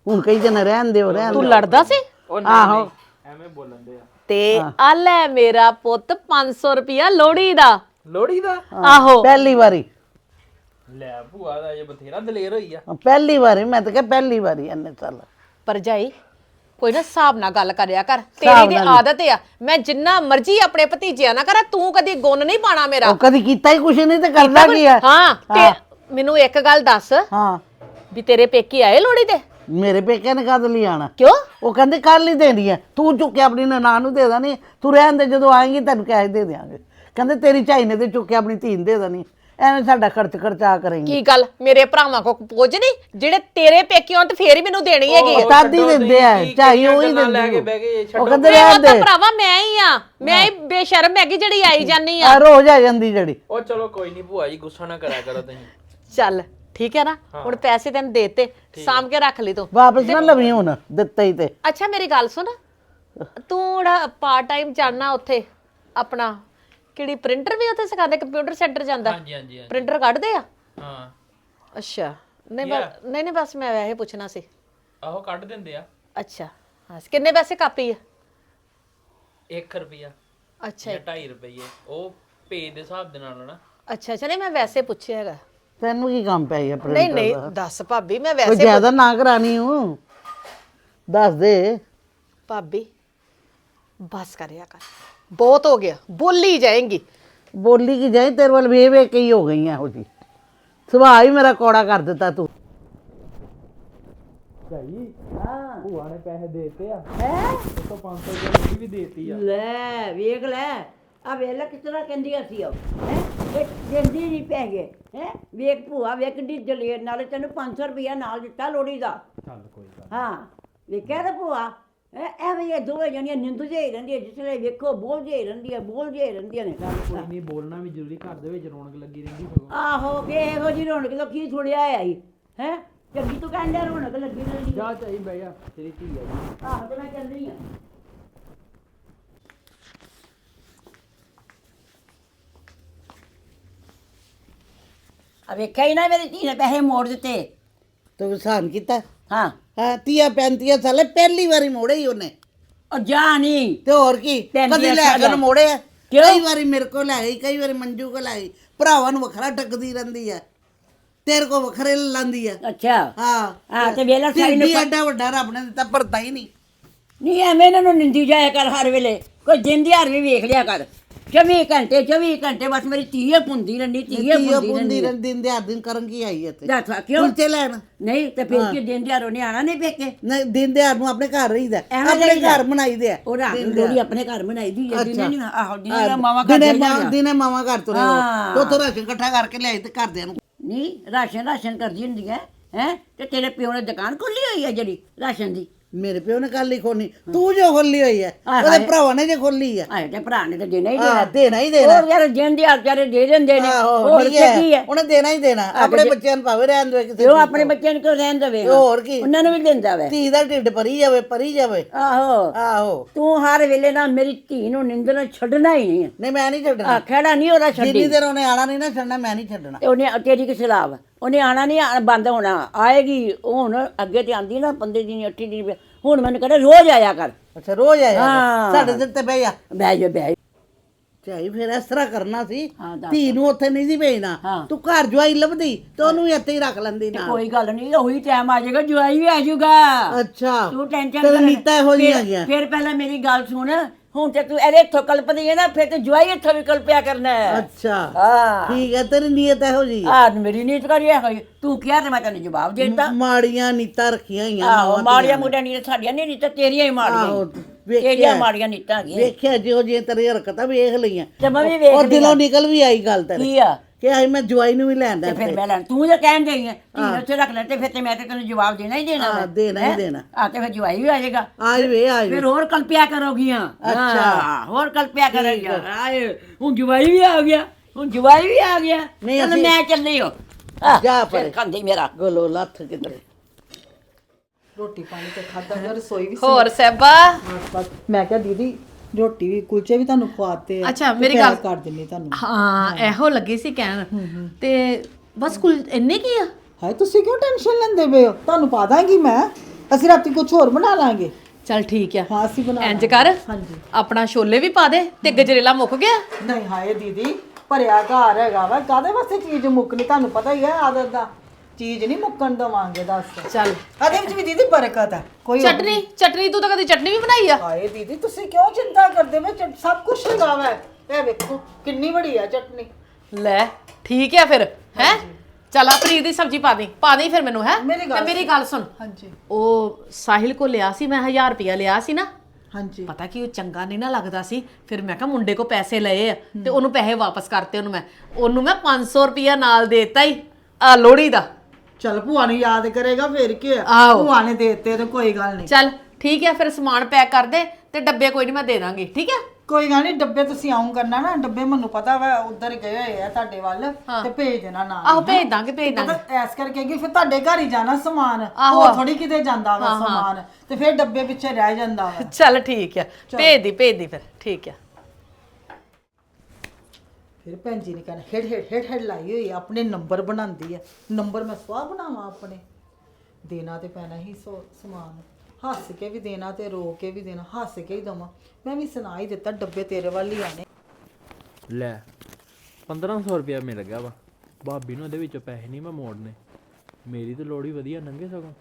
Speaker 1: ਹੁਣ ਕਈ ਜਣੇ ਰਹਿਣ ਦਿਓ ਰਹਿਣ
Speaker 3: ਤੂੰ
Speaker 1: ਦਿਓ।
Speaker 3: ਲੜਦਾ ਸੀ
Speaker 4: ਉਹ
Speaker 1: ਆਹੋ।
Speaker 4: ਨਹੀਂ ਐਵੇਂ ਬੋਲਣ ਦੇ ਆ
Speaker 3: ਤੇ ਆ ਲੈ ਮੇਰਾ ਪੁੱਤ 500 ਰੁਪਿਆ ਲੋਹੜੀ ਦਾ।
Speaker 4: ਲੋੜੀ ਦਾ
Speaker 3: ਆਹੋ
Speaker 1: ਪਹਿਲੀ ਵਾਰੀ
Speaker 4: ਲੈ ਭੂਆ ਦਾ ਇਹ ਬਥੇਰਾ ਦਲੇਰ ਹੋਈ ਆ
Speaker 1: ਪਹਿਲੀ ਵਾਰੀ ਮੈਂ ਤਾਂ ਕਿਹਾ ਪਹਿਲੀ ਵਾਰੀ ਇੰਨੇ ਸਾਲ
Speaker 3: ਪਰਜਾਈ ਕੋਈ ਨਾ ਹਿਸਾਬ ਨਾਲ ਗੱਲ ਕਰਿਆ ਕਰ,
Speaker 1: ਹਿਸਾਬ
Speaker 3: ਤੇਰੀ ਦੀ
Speaker 1: ਨਾਲ।
Speaker 3: ਆਦਤ ਆ। ਮੈਂ ਜਿੰਨਾ ਮਰਜ਼ੀ ਆਪਣੇ ਭਤੀਜਿਆਂ ਨਾ ਕਰਾਂ, ਤੂੰ ਕਦੀ ਗੁਣ ਨਹੀਂ ਪਾਣਾ ਮੇਰਾ।
Speaker 1: ਉਹ ਕਦੀ ਕੀਤਾ ਹੀ ਕੁਛ ਨਹੀਂ ਤੇ ਕਰਦਾ ਕੀ ਹੈ?
Speaker 3: ਹਾਂ ਤੇ ਮੈਨੂੰ ਇੱਕ ਗੱਲ ਦੱਸ
Speaker 1: ਹਾਂ
Speaker 3: ਵੀ ਤੇਰੇ ਪੇਕੀ ਆਏ ਲੋਹੜੀ ਤੇ?
Speaker 1: ਮੇਰੇ ਪੇਕੇ ਨੇ ਕਦ ਲਈ ਆਣਾ?
Speaker 3: ਕਿਉਂ?
Speaker 1: ਉਹ ਕਹਿੰਦੇ ਕੱਲ ਹੀ ਦੇਣੀ ਹੈ, ਤੂੰ ਚੁੱਕ ਕੇ ਆਪਣੀ ਨਨਾਣ ਨੂੰ ਦੇ ਦੇਣੀ, ਤੂੰ ਰਹਿਣ ਦੇ, ਜਦੋਂ ਆਏਂਗੀ ਤੈਨੂੰ ਕੈਸ਼ ਦੇ ਦੇਵਾਂਗੇ। ਕਹਿੰਦੇ ਤੇਰੀ ਝਾਈ ਨੇ ਤੇ ਚੁੱਕ ਕੇ ਆਪਣੀ ਧੀ ਨੂੰ ਦੇ ਦੇਣੀ, ਐਵੇਂ ਸਾਡਾ ਖਰਚਾ ਕਰੇਂਗੀ।
Speaker 3: ਕੀ ਗੱਲ ਮੇਰੇ ਭਰਾਵਾਂ ਕੋ ਪੁੱਜ ਨਹੀਂ ਜਿਹੜੇ ਤੇਰੇ ਪੇਕੇ ਹੋਣ ਤੇ ਫੇਰ ਹੀ ਮੈਨੂੰ ਦੇਣੀ ਹੈਗੀ ਹੈ?
Speaker 1: ਦਾਦੀ ਦਿੰਦੇ ਆ, ਝਾਈ ਉਹ ਹੀ
Speaker 4: ਲੈ ਕੇ
Speaker 1: ਦਿੰਦੀ
Speaker 4: ਬਹਿ ਗਏ
Speaker 1: ਉਹ
Speaker 4: ਛੱਡੋ
Speaker 1: ਕਹਿੰਦੇ
Speaker 3: ਤੇ ਉਹ
Speaker 1: ਰਹਿਣ
Speaker 3: ਤਾਂ
Speaker 1: ਦੇ,
Speaker 3: ਭਰਾਵਾ ਮੈਂ ਹੀ ਆ, ਮੈਂ ਹੀ ਬੇਸ਼ਰਮ ਹੈਗੀ ਜਿਹੜੀ ਆਈ ਜਾਨੀ ਆ।
Speaker 1: ਆ ਰੋਜ਼ ਆ ਜਾਂਦੀ ਜਿਹੜੀ।
Speaker 4: ਉਹ ਚਲੋ ਕੋਈ ਨਹੀਂ ਭੂਆ ਜੀ ਗੁੱਸਾ ਨਾ ਕਰਿਆ ਕਰੋ ਤੁਸੀਂ
Speaker 3: ਚੱਲ ਠੀਕ ਹੈ ਨਾ, ਹੁਣ ਪੈਸੇ ਤੈਨੂੰ ਦੇਤੇ, ਸਾਂਭ ਕੇ ਰੱਖ ਲਈ ਤੂੰ।
Speaker 1: ਵਾਪਸ ਨਾ ਲਵੀਂ ਹੁਣ, ਦਿੱਤਾ ਹੀ ਤੇ।
Speaker 3: ਅੱਛਾ ਮੇਰੀ ਗੱਲ ਸੁਣ, ਤੂੰ ਜਿਹੜਾ ਪਾਰਟ ਟਾਈਮ ਜਾਣਾ ਉੱਥੇ ਆਪਣਾ, ਕਿਹੜੀ ਪ੍ਰਿੰਟਰ ਵੀ ਉੱਥੇ ਸਿਖਾਉਂਦੇ, ਕੰਪਿਊਟਰ ਸੈਂਟਰ ਜਾਂਦਾ?
Speaker 4: ਹਾਂਜੀ ਹਾਂਜੀ ਹਾਂਜੀ।
Speaker 3: ਪ੍ਰਿੰਟਰ ਕੱਢਦੇ ਆ?
Speaker 4: ਹਾਂ
Speaker 3: ਅੱਛਾ ਨਹੀਂ ਬਸ ਮੈਂ ਵੈਸੇ ਪੁੱਛਣਾ ਸੀ।
Speaker 4: ਆਹੋ ਕੱਢ ਦਿੰਦੇ ਆ।
Speaker 3: ਅੱਛਾ ਹਾਂ, ਕਿੰਨੇ ਪੈਸੇ ਕਾਪੀ ਆ?
Speaker 4: 1 ਰੁਪਿਆ
Speaker 3: ਅੱਛਾ
Speaker 4: ਜਾਂ 2.5 ਰੁਪਏ ਉਹ ਪੇਜ ਦੇ ਹਿਸਾਬ ਦੇ ਨਾਲ ਨਾ।
Speaker 3: ਅੱਛਾ ਚਲੇ ਮੈਂ ਵੈਸੇ ਪੁੱਛਿਆ ਹੈਗਾ।
Speaker 1: ਤੈਨੂੰ ਕੀ ਕੰਮ ਪੈ ਗਿਆ
Speaker 3: ਨਹੀਂ ਨਹੀਂ ਦੱਸ ਭਾਬੀ, ਮੈਂ
Speaker 1: ਕੋਈ
Speaker 3: ਵੈਸੇ
Speaker 1: ਜ਼ਿਆਦਾ ਨਾ ਕਰਾਣੀ ਹੂੰ, ਦੱਸ ਦੇ।
Speaker 3: ਭਾਬੀ ਬਸ ਕਰਿਆ ਕਰ, ਬਹੁਤ ਹੋ ਗਿਆ, ਬੋਲੀ ਜਾਏਂਗੀ।
Speaker 1: ਬੋਲੀ ਕੀ ਜਾਏ, ਤੇਰੇ ਵੱਲ ਵੇ ਵੇ ਕਈ ਹੋ ਗਈਆਂ ਇਹੋ ਜੀ, ਸੁਭਾਅ ਹੀ ਮੇਰਾ ਕੌੜਾ ਕਰ ਦਿੱਤਾ ਤੂੰ।
Speaker 4: ਭਾਈ ਹਾਂ ਭੂਆ ਨੇ ਪੈਸੇ ਦੇਤੇ ਆ ਹੈ ਉਹ ਤੋਂ 500 ਰੁਪਏ ਵੀ ਦੇਤੀ ਆ।
Speaker 5: ਲੈ ਵੇਖ ਲੈ ਆ ਵੇਲਾ ਕਿਸ ਤਰ੍ਹਾਂ ਕਹਿੰਦੀਆਂ ਸੀ ਉਹ ਹੈ ਇਹ ਦਿੰਦੀ ਨਹੀਂ ਪੈਗੇ ਹੈ ਵੇਖ ਭੂਆ ਵੇਖ ਕਿੱਡੀ ਦਲੇਰ, ਨਾਲੇ ਤੈਨੂੰ 500 ਰੁਪਇਆ ਨਾਲ ਦਿੱਤਾ ਲੋੜੀ ਦਾ।
Speaker 4: ਚੱਲ ਕੋਈ ਗੱਲ
Speaker 5: ਹਾਂ ਵੇਖਿਆ ਤਾਂ ਭੂਆ ਐਵੇਂ ਇਹ ਦੋਵੇਂ ਜਣੀਆਂ ਨਿੰਦੂ ਜਿਹੀ ਰਹਿੰਦੀਆਂ, ਜਿਸ ਵੇਲੇ ਵੇਖੋ ਬੋਲ ਜਿਹੀ ਰਹਿੰਦੀਆਂ ਨੇ।
Speaker 4: ਨਹੀਂ ਬੋਲਣਾ ਵੀ ਜ਼ਰੂਰੀ, ਘਰ ਦੇ ਵਿੱਚ ਰੌਣਕ ਲੱਗੀ ਰਹਿੰਦੀ ਸਗੋਂ।
Speaker 5: ਆਹੋ ਕਿ ਇਹੋ ਜਿਹੀ ਰੌਣਕ ਤੋਂ ਕੀ ਥੋੜਿਆ ਆਈ ਹੈ, ਚੰਗੀ ਤੂੰ ਕਹਿੰਦਾ ਰੌਣਕ ਲੱਗੀ ਰਹਿੰਦੀ।
Speaker 4: ਜਾ ਚਾਹੀ ਬਹਿ ਜਾ, ਤੇਰੀ ਧੀ ਆ ਜੀ।
Speaker 5: ਆਹੋ ਤੇ ਮੈਂ ਕਹਿੰਦੀ ਆ ਆ ਵੇਖਿਆ ਹੀ ਨਾ ਮੇਰੀ ਧੀ ਨੇ ਪੈਸੇ ਮੋੜ ਦਿੱਤੇ।
Speaker 1: ਤੂੰ ਸਾਨ ਕੀਤਾ?
Speaker 5: ਹਾਂ
Speaker 1: ਹਾਂ 30 35 ਸਾਲੇ ਪਹਿਲੀ ਵਾਰੀ ਮੋੜੇ ਹੀ ਉਹਨੇ,
Speaker 5: ਉਹ ਜਾ ਨਹੀਂ
Speaker 1: ਤੇ ਹੋਰ ਕੀ,
Speaker 5: 35
Speaker 1: ਕਦੀ ਲੈ ਕੇ
Speaker 5: ਸਾਲਾਂ।
Speaker 1: ਉਹਨੂੰ ਮੋੜਿਆ?
Speaker 5: ਕਿਉਂ?
Speaker 1: ਕਈ ਵਾਰੀ ਮੇਰੇ ਕੋਲ ਲੈ ਗਈ, ਕਈ ਵਾਰੀ ਮੰਜੂ ਕੋਲ ਲੈ ਗਈ, ਭਰਾਵਾਂ ਨੂੰ ਵੱਖਰਾ ਟੱਕਦੀ ਰਹਿੰਦੀ ਹੈ, ਤੇਰੇ ਕੋ ਵੱਖਰੇ ਲਾਂਦੀ ਹੈ।
Speaker 5: ਅੱਛਾ
Speaker 1: ਹਾਂ
Speaker 5: ਹਾਂ ਤੇ ਵੇਲਾ ਸਾਈ
Speaker 1: ਢਿੱਡੀ
Speaker 5: ਨੂੰ
Speaker 1: ਐਡਾ ਵੱਡਾ ਰੱਬ ਨੇ ਦਿੱਤਾ, ਭਰਦਾ ਹੀ ਨਹੀਂ।
Speaker 5: ਨਹੀਂ ਐਵੇਂ ਇਹਨਾਂ ਨੂੰ ਨਿੰਦੀ ਜਾਇਆ ਕਰ ਹਰ ਵੇਲੇ, ਕੋਈ ਦਿਨ ਦਿਹਾੜ ਵੀ ਵੇਖ ਲਿਆ ਕਰ। 24 ਘੰਟੇ ਬਸ ਮੇਰੀ ਧੀ ਪੁੰਦੀ ਰਹਿੰਦੀ, ਧੀ ਪੁੰਦੀ
Speaker 1: ਬੁੰਦੀ
Speaker 5: ਰਹਿੰਦੀ।
Speaker 1: ਦਿਨ ਦਿਹਾੜ ਦਿਨ ਕਰਨ ਕੀ ਆਈ ਇੱਥੇ?
Speaker 5: ਦੱਸ ਕਿਉਂ
Speaker 1: ਕੁਲਚੇ ਲੈਣ?
Speaker 5: ਨਹੀਂ ਤੇ ਫਿਰ ਕੀ ਦਿਨ ਦਿਹਾੜ ਉਹਨੇ ਆਣਾ ਨਹੀਂ ਪੇਕੇ?
Speaker 1: ਨਹੀਂ ਦਿਨ ਦਿਹਾੜ ਨੂੰ ਆਪਣੇ ਘਰ ਰਹੀਦਾ,
Speaker 5: ਐਵੇਂ
Speaker 1: ਆਪਣੇ
Speaker 5: ਰਹੀਦਾ।
Speaker 1: ਘਰ ਬਣਾਈਦੇ ਆ।
Speaker 5: ਉਹ ਰਾਤ ਨੂੰ ਲੋਹੜੀ ਆਪਣੇ ਘਰ ਬਣਾਈ ਦੀ ਹੈ, ਦਿਨੇ ਨਹੀਂ। ਆਹੋ ਦਿਨੇ
Speaker 1: ਹਾਂ,
Speaker 5: ਮਾਵਾ ਘਰ
Speaker 1: ਦਿਨੇ ਮਾਵਾਂ ਘਰ ਤੁਰੇ
Speaker 5: ਹਾਂ।
Speaker 1: ਤੇ ਉੱਥੋਂ ਰਾਸ਼ਨ ਇਕੱਠਾ ਕਰਕੇ ਲਿਆਈ ਤੇ ਘਰਦਿਆਂ ਨੂੰ।
Speaker 5: ਨਹੀਂ ਰਾਸ਼ਨ ਕਰਦੀ ਹੁੰਦੀ ਹੈ ਤੇ ਤੇਰੇ ਪਿਓ ਨੇ ਦੁਕਾਨ ਖੋਲੀ ਹੋਈ ਹੈ ਜਿਹੜੀ ਰਾਸ਼ਨ ਦੀ।
Speaker 1: ਮੇਰੇ ਪਿਓ ਨੇ ਕੱਲ ਹੀ ਖੋਲਣੀ, ਤੂੰ ਜੋ ਖੋਲੀ ਹੋਈ ਹੈ,
Speaker 5: ਹਾਏ
Speaker 1: ਉਹਦੇ
Speaker 5: ਹਾਏ।
Speaker 1: ਭਰਾਵਾਂ ਨੇ ਜੇ ਖੋਲੀ ਹੈ।
Speaker 5: ਆਏ ਤੇ ਭਰਾ ਨੇ ਤਾਂ ਦੇਣਾ ਹੀ
Speaker 1: ਹਾਂ,
Speaker 5: ਦੇਣਾ।
Speaker 1: ਦੇਣਾ ਹੀ ਦੇਣਾ।
Speaker 5: ਹੋਰ ਯਾਰ ਦਿਨ ਦਿਹਾੜ ਵਿਚਾਰੇ ਦੇ ਦਿੰਦੇ ਨੇ,
Speaker 1: ਆਹੋ
Speaker 5: ਹੋਰ
Speaker 1: ਠੀਕ
Speaker 5: ਕੀ ਹੈ?
Speaker 1: ਹੈ, ਉਹਨੇ ਦੇਣਾ ਹੀ ਦੇਣਾ, ਆਪਣੇ ਬੱਚਿਆਂ ਨੂੰ ਭਾਵੇਂ ਰਹਿਣ ਦੇਵੇ ਕਿਸੇ
Speaker 5: ਤੇ ਉਹ
Speaker 1: ਚੀਜ਼
Speaker 5: ਆਪਣੇ
Speaker 1: ਤੋਂ।
Speaker 5: ਬੱਚਿਆਂ ਨੂੰ ਕਿਉਂ ਰਹਿਣ ਦੇਵੇ?
Speaker 1: ਹੋਰ ਕੀ,
Speaker 5: ਉਹਨਾਂ ਨੂੰ ਵੀ ਦਿੰਦਾ ਵੇ।
Speaker 1: ਧੀ ਦਾ ਢਿੱਡ ਭਰੀ ਜਾਵੇ, ਭਰੀ ਜਾਵੇ।
Speaker 5: ਆਹੋ
Speaker 1: ਆਹੋ
Speaker 5: ਤੂੰ ਹਰ ਵੇਲੇ ਨਾ ਮੇਰੀ ਧੀ ਨੂੰ ਨਿੰਦਣਾ ਛੱਡਣਾ ਹੀ ਨਹੀਂ।
Speaker 1: ਨਹੀਂ ਮੈਂ ਨਹੀਂ ਛੱਡਣਾ,
Speaker 5: ਖੜਾ ਨਹੀਂ ਉਹਦਾ
Speaker 1: ਜਿੰਨੀ
Speaker 5: ਛੱਡੀ।
Speaker 1: ਦੇਰ ਉਹਨੇ ਆਣਾ ਨਹੀਂ ਨਾ ਛੱਡਣਾ, ਮੈਂ ਨਹੀਂ ਛੱਡਣਾ।
Speaker 5: ਤੇ ਉਹਨੇ ਤੇਰੀ ਕੀ ਸਲਾਹ? ਉਹਨੇ ਆਣਾ ਨਹੀਂ, ਬੰਦ ਹੋਣਾ। ਆਏਗੀ ਹੁਣ, ਅੱਗੇ ਤੇ ਆਂਦੀ ਨਾ 15 ਦਿਨ 28 ਦਿਨ, ਹੁਣ ਮੈਨੂੰ ਕਹਿੰਦਾ ਰੋਜ਼ ਆਇਆ ਕਰ।
Speaker 1: ਅੱਛਾ ਰੋਜ਼ ਆਇਆ
Speaker 5: ਹਾਂ।
Speaker 1: ਸਾਡੇ ਦਿਲ ਤੇ ਬਹਿ ਜਾ।
Speaker 5: ਬਹਿ ਜਾ ਬਹਿ ਜਾ।
Speaker 1: ਚਾਹੀ ਫਿਰ ਇਸ ਤਰ੍ਹਾਂ ਕਰਨਾ ਸੀ,
Speaker 5: ਹਾਂ, ਦੱਸ।
Speaker 1: ਧੀ ਨੂੰ ਉੱਥੇ ਨਹੀਂ ਸੀ ਭੇਜਣਾ,
Speaker 5: ਹਾਂ।
Speaker 1: ਤੂੰ ਘਰ ਜਵਾਈ ਲੱਭਦੀ ਤੇ ਉਹਨੂੰ ਵੀ ਇੱਥੇ ਹੀ ਰੱਖ ਲੈਂਦੀ ਨਾਲ।
Speaker 5: ਕੋਈ ਗੱਲ ਨਹੀਂ, ਉਹੀ ਟਾਈਮ ਆ ਜਾਏਗਾ, ਜਵਾਈ ਵੀ ਆ ਜਾਊਗਾ।
Speaker 1: ਅੱਛਾ
Speaker 5: ਤੂੰ ਟੈਨਸ਼ਨ
Speaker 1: ਤੇਰੀ ਨੀਤਾਂ ਇਹੋ ਜਿਹੀਆਂ ਹੈਗੀਆਂ।
Speaker 5: ਫਿਰ ਪਹਿਲਾਂ ਮੇਰੀ ਗੱਲ ਸੁਣ, ਹੁਣ ਤੇ ਤੂੰ ਇਹਦੇ ਇੱਥੋਂ ਕਲਪਦੀ ਹੈ ਨਾ, ਫਿਰ ਤੇ ਜਵਾਈ ਇੱਥੋਂ ਵੀ ਕਲਪਿਆ ਕਰਨਾ ਹੈ।
Speaker 1: ਅੱਛਾ
Speaker 5: ਹਾਂ
Speaker 1: ਠੀਕ ਹੈ, ਤੇਰੀ ਨੀਅਤ ਇਹੋ ਜੀ
Speaker 5: ਆ ਮੇਰੀ ਨੀਤ ਕਰੀ ਹੋਈ, ਤੂੰ ਕਿਹਾ ਤੇ ਮੈਂ ਤੈਨੂੰ ਜਵਾਬ ਦੇ ਦਿੱਤਾ।
Speaker 1: ਮਾੜੀਆਂ ਨੀਤਾਂ ਰੱਖੀਆਂ ਹੋਈਆਂ
Speaker 5: ਆਹੋ
Speaker 1: ਮਾਵਾਂ
Speaker 5: ਮਾੜੀਆਂ
Speaker 1: ਧੀਆਂ ਨੇ।
Speaker 5: ਮੁੰਡਿਆਂ ਨੀਤਾਂ ਸਾਡੀਆਂ ਨਹੀਂ ਨੀਤਾਂ ਤੇਰੀਆਂ ਹੀ ਮਾੜੀਆਂ
Speaker 1: ਆਹੋ,
Speaker 5: ਹੀ।
Speaker 1: ਵੇਖਿਆ।
Speaker 5: ਤੇਰੀਆਂ ਮਾੜੀਆਂ ਨੀਤਾਂ ਹੈਗੀਆਂ।
Speaker 1: ਵੇਖਿਆ ਜਿਹੋ ਜਿਹੀਆਂ ਤੇਰੀ ਹਰਕਤਾਂ ਵੇਖ ਲਈਆਂ,
Speaker 5: ਤੇ ਮੈਂ ਵੀ ਵੇਖ
Speaker 1: ਔਰ
Speaker 5: ਲਈਆਂ।
Speaker 1: ਦਿਲੋਂ ਨਿਕਲ ਵੀ ਆਈ ਗੱਲ ਤੇਰੀ
Speaker 5: ਕੀ ਆ?
Speaker 1: ਕਿ ਆਈ ਮੈਂ ਜਵਾਈ ਨੂੰ ਵੀ ਲੈਂਦਾ
Speaker 5: ਤੇ ਫਿਰ ਮੈਂ ਲੈਣ, ਤੂੰ ਜੇ ਕਹਿਣ ਡਈ ਹੈ ਧੀ ਨੂੰ ਉੱਥੇ ਰੱਖ ਲੈ, ਤੇ ਫਿਰ ਤੇ ਮੈਂ ਤੇ ਤੈਨੂੰ ਜਵਾਬ ਦੇਣਾ ਹੀ ਦੇਣਾ।
Speaker 1: ਹਾਂ, ਦੇਣਾ ਹੀ ਦੇਣਾ।
Speaker 5: ਆ ਤੇ ਫਿਰ ਜਵਾਈ ਵੀ ਆ ਜਾਏਗਾ।
Speaker 1: ਆਜ ਵੇ ਆਜ ਵੇ।
Speaker 5: ਫਿਰ ਹੋਰ ਕਲਪਿਆ ਕਰੋਗੀਆਂ।
Speaker 1: ਅੱਛਾ।
Speaker 5: ਹਾਂ, ਹੋਰ ਕਲਪਿਆ ਕਰੋਗੀਆਂ। ਆਏ ਹੁਣ ਜਵਾਈ ਵੀ ਆ ਗਿਆ, ਹੁਣ ਜਵਾਈ ਵੀ ਆ ਗਿਆ।
Speaker 1: ਨਹੀਂ,
Speaker 5: ਚਲ
Speaker 1: ਅਸੀਂ-
Speaker 5: ਮੈਂ ਚੱਲੀ ਹੋ
Speaker 1: ਜਾ ਪਰੇ।
Speaker 5: ਖਾਂਦੀ ਮੇਰਾ
Speaker 1: ਗੋਲੋ ਲੱਥ ਕਿਧਰੇ।
Speaker 2: ਰੋਟੀ ਪਾਣੀ ਤੇ ਖਾਦਾ ਗਿਆ, ਰਸੋਈ ਵੀ
Speaker 3: ਹੋਰ ਸਹਿਬਾ
Speaker 2: ਬਸ ਮੈਂ ਕਿਹਾ ਦੀਦੀ ਰੋਟੀ ਵੀ ਕੁਲਚੇ ਵੀ ਤੁਹਾਨੂੰ ਖਵਾਤੇ ਆ।
Speaker 3: ਅੱਛਾ,
Speaker 2: ਤੇ
Speaker 3: ਮੇਰੀ
Speaker 2: ਪੈਕ
Speaker 3: ਗੱਲ-
Speaker 2: ਕਰ ਦਿੰਨੀ ਤੁਹਾਨੂੰ।
Speaker 3: ਹਾਂ ਇਹੋ ਲੱਗੀ ਸੀ ਕਹਿਣ ਤੇ ਬਸ ਕੁਲ ਇੰਨੇ ਕੀ ਆ?
Speaker 2: ਹਾਏ ਤੁਸੀਂ ਕਿਉਂ ਟੈਨਸ਼ਨ ਲੈਂਦੇ ਪਏ ਹੋ? ਤੁਹਾਨੂੰ ਪਾ ਦਾਂਗੀ ਮੈਂ। ਅਸੀਂ ਰਾਤੀ ਕੁਝ ਹੋਰ ਬਣਾ ਲਾਂਗੇ।
Speaker 3: ਚੱਲ ਠੀਕ ਆ।
Speaker 2: ਹਾਂ ਅਸੀਂ ਬਣਾ
Speaker 3: ਇੰਜ ਕਰ,
Speaker 2: ਹਾਂਜੀ।
Speaker 3: ਆਪਣਾ ਛੋਲੇ ਵੀ ਪਾ ਦੇ ਤੇ ਗਜਰੇਲਾ ਮੁੱਕ ਗਿਆ।
Speaker 2: ਨਹੀਂ ਹਾਏ ਦੀਦੀ, ਭਰਿਆ ਘਰ ਹੈਗਾ ਵਾ, ਕਾਦੇ ਵਾਸਤੇ ਚੀਜ਼ ਮੁੱਕਣੀ? ਤੁਹਾਨੂੰ ਪਤਾ ਹੀ ਹੈ ਆਦਤ ਦਾ, ਚੀਜ਼ ਨਹੀਂ ਮੁੱਕਣ ਦਵਾਂਗੇ। ਦੱਸ
Speaker 3: ਚੱਲ
Speaker 2: ਇਹਦੇ ਵਿੱਚ ਵੀ ਦੀਦੀ ਬਰਕਤ ਹੈ। ਕੋਈ
Speaker 3: ਚਟਨੀ ਤੂੰ ਤਾਂ ਕਦੀ ਚਟਨੀ ਵੀ ਬਣਾਈ ਆ?
Speaker 2: ਹਾਏ ਦੀਦੀ ਤੁਸੀਂ ਕਿਉਂ ਚਿੰਤਾ ਕਰਦੇ? ਮੈਂ ਸਭ ਕੁਝ ਹੈਗਾ ਵਾ। ਇਹ ਵੇਖੋ ਕਿੰਨੀ ਬੜੀ ਆ ਚਟਨੀ।
Speaker 3: ਲੈ ਠੀਕ ਆ ਫਿਰ, ਹੈ ਚੱਲ ਆ ਪਨੀਰ ਦੀ ਸਬਜ਼ੀ ਪਾ ਦੇ ਫਿਰ ਮੈਨੂੰ, ਹੈ ਤੇ ਮੇਰੀ ਗੱਲ ਸੁਣ।
Speaker 2: ਹਾਂਜੀ
Speaker 3: ਉਹ ਸਾਹਿਲ ਕੋ ਲਿਆ ਸੀ ਮੈਂ 1000 ਰੁਪਇਆ ਲਿਆ ਸੀ ਨਾ,
Speaker 2: ਹਾਂਜੀ
Speaker 3: ਪਤਾ ਕੀ ਉਹ ਚੰਗਾ ਨਹੀਂ ਨਾ ਲੱਗਦਾ ਸੀ, ਫਿਰ ਮੈਂ ਕਿਹਾ ਮੁੰਡੇ ਕੋ ਪੈਸੇ ਲਏ ਆ ਤੇ ਉਹਨੂੰ ਪੈਸੇ ਵਾਪਸ ਕਰਤੇ। ਉਹਨੂੰ ਮੈਂ 500 ਰੁਪਇਆ ਨਾਲ ਦੇਤਾ ਹੀ ਆ ਲੋਹੜੀ ਦਾ।
Speaker 2: ਚਲ ਭੂਆ ਨੂੰ ਯਾਦ ਕਰੇਗਾ ਫਿਰ ਕੀ ਹੈ,
Speaker 3: ਆਹੋ।
Speaker 2: ਭੂਆ ਨੇ ਦੇਤੇ ਤੇ ਕੋਈ ਗੱਲ ਨਹੀਂ।
Speaker 3: ਚੱਲ ਠੀਕ ਹੈ ਫਿਰ ਸਮਾਨ ਪੈਕ ਕਰ ਦੇ ਤੇ ਡੱਬੇ ਕੋਈ ਨਹੀਂ ਮੈਂ ਦੇ ਦਾਂਗੀ, ਠੀਕ ਹੈ?
Speaker 2: ਕੋਈ ਗੱਲ ਨਹੀਂ, ਡੱਬੇ ਤੁਸੀਂ ਆਉਂ ਕਰਨਾ ਨਾ, ਡੱਬੇ ਮੈਨੂੰ ਪਤਾ ਵਾ ਉਧਰ ਗਏ ਹੋਏ ਆ ਤੁਹਾਡੇ ਵੱਲ, ਤੇ ਭੇਜ ਦੇਣਾ ਨਾਲ।
Speaker 3: ਆਹੋ ਭੇਜ ਦਾਂਗੇ
Speaker 2: ਪਤਾ ਐਸ ਕਰਕੇ ਕਿ ਫਿਰ ਤੁਹਾਡੇ ਘਰ ਹੀ ਜਾਣਾ ਸਮਾਨ, ਉਹ ਥੋੜੀ ਕਿਤੇ ਜਾਂਦਾ ਵਾ ਸਮਾਨ, ਤੇ ਫਿਰ ਡੱਬੇ ਪਿੱਛੇ ਰਹਿ ਜਾਂਦਾ ਵਾ।
Speaker 3: ਚੱਲ ਠੀਕ ਹੈ, ਭੇਜ ਦੀ ਫਿਰ, ਠੀਕ ਹੈ।
Speaker 2: ਫਿਰ ਭੈਣ ਜੀ ਨੇ ਕਹਿਣਾ ਹੇਡ ਲਾਈ ਹੋਈ ਆ, ਆਪਣੇ ਨੰਬਰ ਬਣਾਉਂਦੀ ਆ। ਨੰਬਰ ਮੈਂ ਸਵਾਹ ਬਣਾਵਾਂ ਆਪਣੇ? ਦੇਣਾ ਤੇ ਪੈਣਾ ਹੀ ਸਮਾਨ, ਹੱਸ ਕੇ ਵੀ ਦੇਣਾ ਤੇ ਰੋ ਕੇ ਵੀ ਦੇਣਾ। ਹੱਸ ਕੇ ਹੀ ਦਵਾਂ, ਮੈਂ ਵੀ ਸੁਣਾ ਹੀ ਦਿੱਤਾ ਡੱਬੇ ਤੇਰੇ ਵੱਲ ਹੀ ਆਣੇ।
Speaker 4: ਲੈ 1500 ਰੁਪਇਆ ਮਿਲ ਗਿਆ ਵਾ, ਭਾਬੀ ਨੂੰ ਉਹਦੇ ਵਿੱਚੋਂ ਪੈਸੇ ਨਹੀਂ ਮੈਂ ਮੋੜਨੇ, ਮੇਰੀ ਤਾਂ ਲੋੜੀ ਵਧੀਆ ਲੰਘੇ ਸਗੋਂ।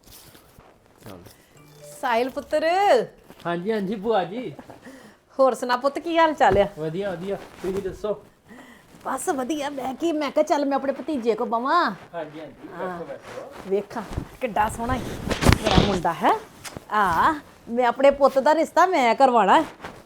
Speaker 4: ਚੱਲ
Speaker 3: ਸਾਹਿਲ ਪੁੱਤਰ,
Speaker 4: ਹਾਂਜੀ ਹਾਂਜੀ ਭੂਆ ਜੀ,
Speaker 3: ਹੋਰ ਸੁਣਾ ਪੁੱਤ, ਕੀ ਹਾਲ ਚਾਲ ਆ?
Speaker 4: ਵਧੀਆ ਵਧੀਆ, ਤੁਸੀਂ ਦੱਸੋ?
Speaker 3: ਬਸ ਵਧੀਆ। ਮੈਂ ਕਿਹਾ ਚੱਲ ਮੈਂ ਆਪਣੇ ਭਤੀਜੇ ਕੋ ਬਵਾਂ।
Speaker 4: ਹਾਂਜੀ ਹਾਂਜੀ, ਬੈਠੋ ਬੈਠੋ।
Speaker 3: ਵੇਖਾਂ ਕਿੱਡਾ ਸੋਹਣਾ ਹੈ ਮੇਰਾ ਮੁੰਡਾ, ਹੈ ਮੈਂ ਆਪਣੇ ਪੁੱਤ ਦਾ ਰਿਸ਼ਤਾ ਮੈਂ ਕਰਵਾਉਣਾ।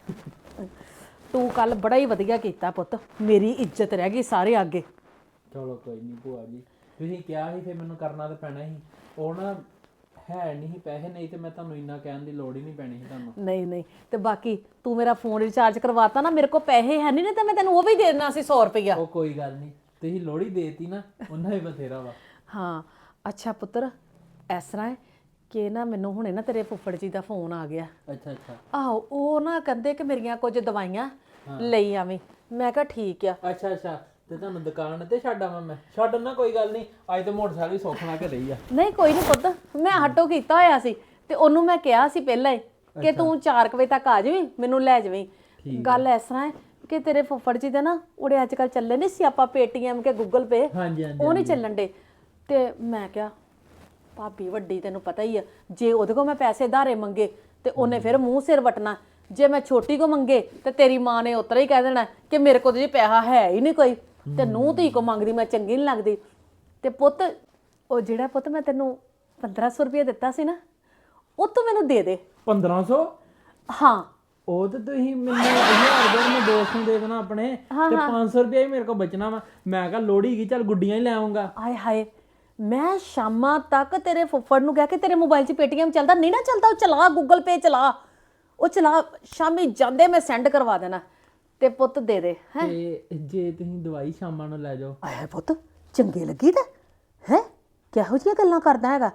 Speaker 3: ਤੂੰ ਕੱਲ ਬੜਾ ਹੀ ਵਧੀਆ ਕੀਤਾ ਪੁੱਤ, ਮੇਰੀ ਇੱਜ਼ਤ ਰਹਿ ਗਈ ਸਾਰੇ ਅੱਗੇ।
Speaker 4: ਚਲੋ ਕੋਈ ਨਹੀਂ ਭੂਆ ਜੀ, ਤੁਸੀਂ ਕਿਹਾ ਸੀ ਫਿਰ ਮੈਨੂੰ ਕਰਨਾ ਤਾਂ ਪੈਣਾ ਸੀ। ਉਹ ਨਾ ਹੈ ਨਹੀਂ ਪੈਸੇ, ਨਹੀਂ ਤੇ ਮੈਂ ਤੁਹਾਨੂੰ ਇੰਨਾ ਕਹਿਣ ਦੀ ਲੋੜ ਹੀ ਨਹੀਂ ਪੈਣੀ ਸੀ ਤੁਹਾਨੂੰ।
Speaker 3: ਨਹੀਂ ਤੇ ਬਾਕੀ ਤੂੰ ਮੇਰਾ ਫੋਨ ਰਿਚਾਰਜ ਕਰਵਾਤਾ ਨਾ, ਮੇਰੇ ਕੋਲ ਪੈਸੇ ਹੈ ਨਹੀਂ, ਤੇ ਮੈਂ ਤੈਨੂੰ ਉਹ ਵੀ ਦੇ ਦੇਣਾ ਸੀ 100 ਰੁਪਇਆ।
Speaker 4: ਉਹ ਕੋਈ ਗੱਲ ਨਹੀਂ, ਤੁਸੀਂ ਲੋੜੀ ਦੇਤੀ ਨਾ, ਉਹਨਾਂ ਹੀ ਬਥੇਰਾ ਵਾ।
Speaker 3: ਹਾਂ ਅੱਛਾ ਪੁੱਤਰ, ਇਸ ਤਰ੍ਹਾਂ ਹੈ ਕਿ ਨਾ ਮੈਨੂੰ ਹੁਣੇ ਨਾ ਤੇਰੇ ਫੁੱਫੜ ਜੀ ਦਾ ਫੋਨ ਆ ਗਿਆ।
Speaker 4: ਅੱਛਾ ਅੱਛਾ
Speaker 3: ਆਹੋ, ਉਹ ਨਾ ਕਹਿੰਦੇ ਕਿ ਮੇਰੀਆਂ ਕੁਝ ਦਵਾਈਆਂ ਲਈ ਆਵੀਂ। ਮੈਂ ਕਿਹਾ ਠੀਕ ਆ।
Speaker 4: ਅੱਛਾ ਅੱਛਾ, ਤੇ ਤੁਹਾਨੂੰ ਦੁਕਾਨ ਤੇ ਛੱਡ ਆਵਾਂ ਮੈਂ? ਛੱਡ ਨਾ, ਕੋਈ ਗੱਲ ਨਹੀਂ, ਅੱਜ ਤਾਂ ਮੋਟਰਸਾਈਕਲ ਸੌਖ ਲਾ ਕੇ ਰਹੀ ਆ।
Speaker 3: ਨਹੀਂ ਕੋਈ ਨਹੀਂ ਪੁੱਤ, ਮੈਂ ਆਟੋ ਕੀਤਾ ਹੋਇਆ ਸੀ ਤੇ ਉਹਨੂੰ ਮੈਂ ਕਿਹਾ ਸੀ ਪਹਿਲਾਂ ਹੀ ਕਿ ਤੂੰ 4 ਵਜੇ ਤੱਕ ਆ ਜਾਵੀਂ, ਮੈਨੂੰ ਲੈ ਜਾਵੀਂ। ਗੱਲ ਇਸ ਤਰ੍ਹਾਂ ਹੈ ਕਿ ਤੇਰੇ ਫੁੱਫੜ ਜੀ ਦੇ ਨਾ ਉਹਦੇ ਅੱਜ ਕੱਲ ਚੱਲੇ ਨਹੀਂ ਸੀ ਆਪਾਂ ਪੇਟੀਐਮ ਕੇ ਗੂਗਲ ਪੇ,
Speaker 4: ਹਾਂਜੀ ਹਾਂਜੀ
Speaker 3: ਉਹ ਨਹੀਂ ਚੱਲਣ ਡੇ। ਤੇ ਮੈਂ ਕਿਹਾ ਭਾਬੀ ਵੱਡੀ ਤੈਨੂੰ ਪਤਾ ਹੀ ਆ, ਜੇ ਉਹਦੇ ਕੋਲ ਮੈਂ ਪੈਸੇ ਧਾਰੇ ਮੰਗੇ ਤੇ ਉਹਨੇ ਫਿਰ ਮੂੰਹ ਸਿਰ ਵਟਣਾ, ਜੇ ਮੈਂ ਛੋਟੀ ਕੋ ਮੰਗੇ ਤੇ ਤੇਰੀ ਮਾਂ ਨੇ ਉਤਰਾ ਹੀ ਕਹਿ ਦੇਣਾ ਕਿ ਮੇਰੇ ਕੋਲ ਜੀ ਪੈਸਾ ਹੈ ਹੀ ਨਹੀਂ ਕੋਈ, ਤੇ ਨੂੰਹ ਧੀ ਕੋ ਮੰਗਦੀ ਮੈਂ ਚੰਗੀ ਨਹੀਂ ਲੱਗਦੀ। ਤੇ ਪੁੱਤ ਉਹ ਜਿਹੜਾ ਪੁੱਤ ਮੈਂ ਤੈਨੂੰ 1500 ਰੁਪਏ ਦਿੱਤਾ ਸੀ ਨਾ, ਉਹ ਤੂੰ ਮੈਨੂੰ ਦੇ ਦੇ।
Speaker 4: 1500?
Speaker 3: ਹਾਂ
Speaker 4: ਉਹ ਤੇ ਤੁਸੀਂ ਮੈਨੂੰ 1000 ਰੁਪਏ ਮੈਂ ਦੋਸਤ ਨੂੰ ਦੇ ਦੇਣਾ ਆਪਣੇ, ਤੇ 500 ਰੁਪਏ ਹੀ ਮੇਰੇ ਕੋਲ ਬਚਣਾ ਵਾ। ਮੈਂ ਕਿਹਾ ਲੋੜੀ ਕੀ, ਚੱਲ ਗੁੱਡੀਆਂ ਹੀ ਲੈ ਆਉਂਗਾ।
Speaker 3: ਆਏ ਹਾਏ, ਮੈਂ ਸ਼ਾਮਾਂ ਤੱਕ ਤੇਰੇ ਫੁੱਫੜ ਨੂੰ ਕਹਿ ਕੇ ਤੇਰੇ ਮੋਬਾਈਲ 'ਚ ਪੇਟੀਐਮ ਚੱਲਦਾ ਨਹੀਂ ਨਾ ਚੱਲਦਾ, ਉਹ ਚਲਾ ਗੂਗਲ ਪੇ ਚਲਾ, ਉਹ ਚਲਾ, ਸ਼ਾਮੀ ਜਾਂਦੇ ਮੈਂ ਸੈਂਡ ਕਰਵਾ ਦੇਣਾ। ਤੇ ਪੁੱਤ ਦੇ ਦੇ।
Speaker 4: ਤੇ ਜੇ ਤੁਸੀਂ ਦਵਾਈ ਸ਼ਾਮਾਂ ਨੂੰ ਲੈ ਜਾਓ?
Speaker 3: ਆਏ ਪੁੱਤ ਚੰਗੇ ਲੱਗੀ ਤਾਂ ਹੈ, ਕਿਹੋ ਜਿਹੀਆਂ ਗੱਲਾਂ ਕਰਦਾ ਹੈਗਾ।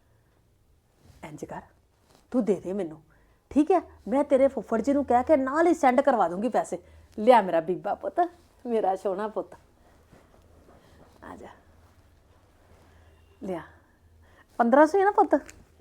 Speaker 3: ਇੰਜ ਕਰ, ਤੂੰ ਦੇ ਦੇ ਮੈਨੂੰ, ਠੀਕ ਹੈ? ਮੈਂ ਤੇਰੇ ਫੁੱਫੜ ਜੀ ਨੂੰ ਕਹਿ ਕੇ ਨਾਲ ਹੀ ਸੈਂਡ ਕਰਵਾ ਦੂੰਗੀ ਪੈਸੇ। ਲਿਆ ਮੇਰਾ ਬੀਬਾ ਪੁੱਤ, ਮੇਰਾ ਸੋਹਣਾ ਪੁੱਤ, ਆ ਜਾ, ਲਿਆ। 1500 ਹੈ ਨਾ ਪੁੱਤ?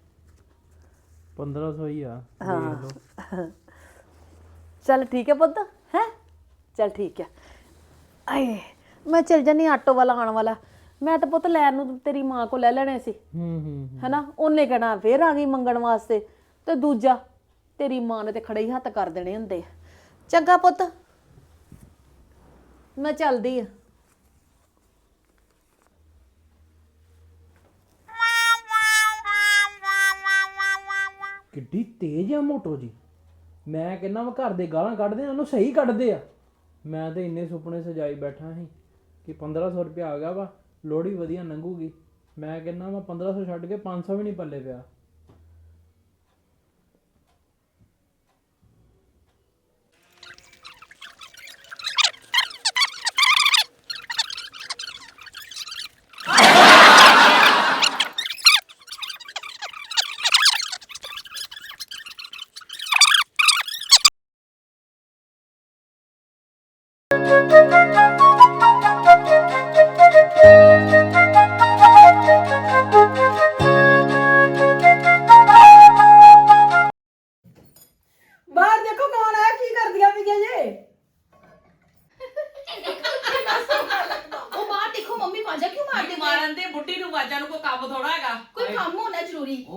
Speaker 4: 1500 ਹੀ ਆ।
Speaker 3: ਹਾਂ ਚੱਲ ਠੀਕ ਹੈ ਪੁੱਤ, ਹੈ ਚੱਲ ਠੀਕ ਹੈ। ਆਏ ਮੈਂ ਚਲ ਜਾਨੀ, ਆਟੋ ਵਾਲਾ ਆਉਣ ਵਾਲਾ, ਮੈਂ ਤਾਂ ਪੁੱਤ ਲੈਣ ਨੂੰ ਤੇਰੀ ਮਾਂ ਕੋਲ ਲੈ ਲੈਣੇ ਸੀ, ਹੈਨਾ? ਉਹਨੇ ਕਹਿਣਾ ਫੇਰ ਆ ਗਈ ਮੰਗਣ ਵਾਸਤੇ, ਤੇ ਦੂਜਾ ਤੇਰੀ ਮਾਂ ਨੇ ਤੇ ਖੜੇ ਹੀ ਹੱਥ ਕਰ ਦੇਣੇ ਹੁੰਦੇ। ਚੰਗਾ ਪੁੱਤ, ਮੈਂ ਚੱਲਦੀ ਆ।
Speaker 4: ਕਿੱਡੀ ਤੇਜ਼ ਆ ਮੋਟੋ ਜੀ, ਮੈਂ ਕਹਿੰਦਾ ਵਾ ਘਰ ਦੇ ਗਾਲਾਂ ਕੱਢਦੇ ਆ, ਉਹਨੂੰ ਸਹੀ ਕੱਢਦੇ ਆ। ਮੈਂ ਤੇ ਇੰਨੇ ਸੁਪਨੇ ਸਜਾਈ ਬੈਠਾ ਸੀ ਕਿ 1500 ਰੁਪਇਆ ਆ ਗਿਆ ਵਾ, ਲੋੜੀ ਵਧੀਆ ਲੰਘੂਗੀ। ਮੈਂ ਕਹਿੰਦਾ ਵਾ 1500 ਛੱਡ ਕੇ 500 ਵੀ ਨਹੀਂ ਪੱਲੇ ਪਿਆ।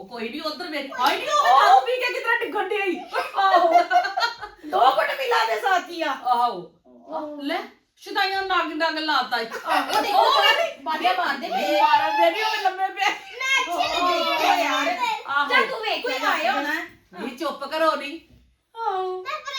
Speaker 6: ਆਹੋ ਕੋਈ ਨਹੀਂ ਉਧਰ ਵੇਖ ਆਈ ਨਹੀਂ ਉਹ ਦਾਰੂ ਪੀ ਕੇ ਕਿਤਨਾ ਡਿੱਗਣ ਡਈ ਆਈ ਆਹੋ
Speaker 5: 2 ਘੁੱਟ ਮਿਲਾ ਦੇ ਸਾਥੀਆ
Speaker 6: ਆਹੋ ਲੈ ਸ਼ੁਦਾਈਆਂ ਨਾਗ ਨਾਗ ਲਾਤਾ ਈ
Speaker 3: ਉਹ ਦੇਖੋ ਬਾੜੀਆਂ ਮਾਰਦੇ ਪਏ
Speaker 6: ਮਾਰਾ ਦੇ ਨਹੀਂ ਉਹ ਲੰਮੇ ਪਿਆ ਆਹੋ
Speaker 3: ਜਾ ਤੂੰ ਵੇਖ ਕੇ ਆਇਆ ਹੋਣਾ
Speaker 6: ਨਹੀਂ ਚੁੱਪ ਕਰੋ ਨਹੀਂ ਆਹੋ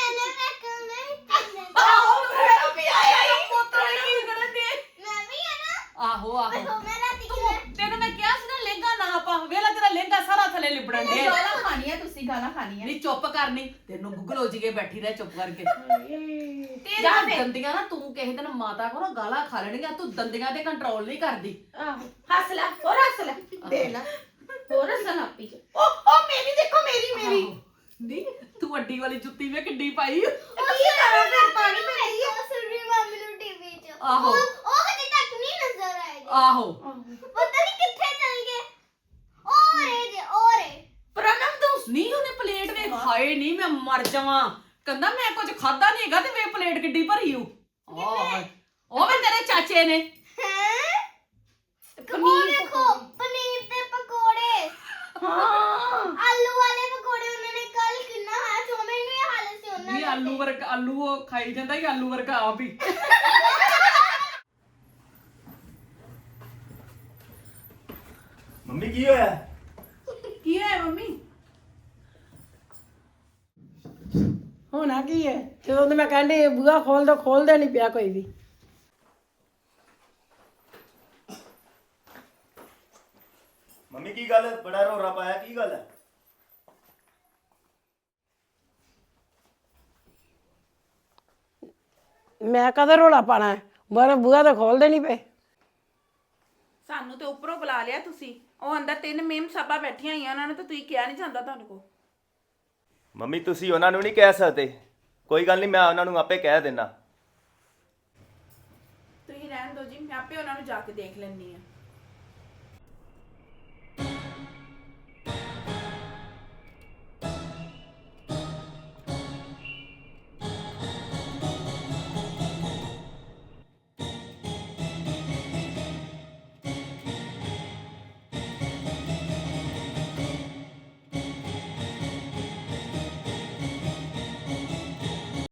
Speaker 3: ਆਹੋ ਮੇਰਾ ਵੀ ਆਇਆ ਹੀ
Speaker 6: ਪੁੱਤਰ ਕੀ ਕਰਨ ਦੇ ਆਹੋ ਆਹੋ ਤੈਨੂੰ ਮੈਂ ਕਿਹਾ ਸੀ ਨਾ ਲਹਿੰਗਾ ਨਾ ਪਾ ਵੇਲਾ ਤੇਰਾ ਲਹਿੰਗਾ ਸਾਰਾ ਥੱਲੇ ਲਿਬੜਨ ਦੇ
Speaker 3: ਗਾਲਾਂ ਖਾਣੀਆਂ ਤੁਸੀਂ ਗਾਲਾਂ ਖਾਣੀਆਂ
Speaker 6: ਨਹੀਂ ਚੁੱਪ ਕਰਨੀ ਤੈਨੂੰ ਗੁੱਗਲੋ ਜੀ ਕੇ ਬੈਠੀ ਰਹਿ ਚੁੱਪ ਕਰਕੇ
Speaker 3: ਜਾ
Speaker 6: ਤੇਰੀਆਂ
Speaker 3: ਫਿਰ।
Speaker 6: ਦੰਦੀਆਂ ਨਾ ਤੂੰ ਕਿਸੇ ਦਿਨ ਮਾਤਾ ਕੋਲੋਂ ਗਾਲਾਂ ਖਾ ਲੈਣੀਆਂ ਤੂੰ ਦੰਦੀਆਂ ਤੇ ਕੰਟਰੋਲ ਨਹੀਂ ਕਰਦੀ
Speaker 3: ਆਹੋ ਹੱਸ ਲੈ ਹੋਰ ਹੱਸ ਲੈ ਦੇ ਲੈ ਹੋਰ ਹੱਸਣ ਆਪੀ ਚ ਉਹ ਮੇਰੀ ਦੇਖੋ ਮੇਰੀ
Speaker 6: ਨਹੀਂ ਤੂੰ ਵੱਡੀ ਵਾਲੀ ਜੁੱਤੀ ਵੇ ਕਿੱਡੀ ਪਾਈ
Speaker 3: ਕੀ ਕਰਾਂ ਫਿਰ ਪਾਣੀ ਪੈ ਰਹੀ ਹੈ
Speaker 6: ਆਹੋ ਆਹੋ
Speaker 3: ਪ੍ਰਣਮ ਤੂੰ
Speaker 6: ਨਹੀਂ ਉਹਨੇ ਪਲੇਟ ਵੇ ਹਾਏ ਨਹੀਂ ਮੈਂ ਮਰ ਜਾਵਾਂ ਕਹਿੰਦਾ ਮੈਂ ਕੁਝ ਖਾਦਾ ਨਹੀਂ ਹੈਗਾ ਤੇ ਵੇ ਪਲੇਟ ਕਿੱਡੀ ਭਰੀ ਓ ਆਹ ਉਹ ਵੀ ਤੇਰੇ ਚਾਚੇ ਨੇ ਨਹੀਂ ਆਲੂ ਉਹ ਖਾਈ ਜਾਂਦਾ ਹੀ ਆਲੂ ਵਰਗਾ ਆਪ ਹੀ
Speaker 7: ਮੰਮੀ ਕੀ ਹੋਇਆ?
Speaker 6: ਕੀ ਹੈ ਮੰਮੀ
Speaker 8: ਹੋਣਾ ਕੀ ਹੈ ਜਦੋਂ ਤੇ ਮੈਂ ਕਹਿੰਦੀ ਬੂਹਾ ਖੋਲਦਾ ਨਹੀਂ ਪਿਆ ਕੋਈ ਵੀ।
Speaker 7: ਮੰਮੀ ਕੀ ਗੱਲ ਬੜਾ ਰੋਰਾ ਪਾਇਆ ਕੀ ਗੱਲ ਹੈ?
Speaker 8: ਮੈਂ ਕਦੇ ਰੋਲਾ ਪਾਣਾ ਹੈ ਮੇਰੇ ਬੂਹਾ ਤਾਂ ਖੋਲਦੇ ਨਹੀਂ ਪਏ।
Speaker 9: ਸਾਨੂੰ ਤੇ ਉੱਪਰੋਂ ਬੁਲਾ ਲਿਆ ਤੁਸੀਂ ਉਹ ਅੰਦਰ 3 ਮੇਮ ਸਾਬਾ ਬੈਠੀਆਂ ਹੋਈਆਂ ਉਹਨਾਂ ਨੂੰ ਤਾਂ ਤੁਸੀਂ ਕਿਹਾ ਨਹੀਂ ਜਾਂਦਾ ਤੁਹਾਨੂੰ ਕੋ
Speaker 7: ਮੰਮੀ ਤੁਸੀਂ ਉਹਨਾਂ ਨੂੰ ਨਹੀਂ ਕਹਿ ਸਕਦੇ ਕੋਈ ਗੱਲ ਨਹੀਂ ਮੈਂ ਉਹਨਾਂ ਨੂੰ ਆਪੇ ਕਹਿ ਦੇਣਾ
Speaker 9: ਤੁਸੀਂ ਰਹਿਣ ਦਿਓ ਜੀ ਮੈਂ ਆਪੇ ਉਹਨਾਂ ਨੂੰ ਜਾ ਕੇ ਦੇਖ ਲੈਣੀ ਆ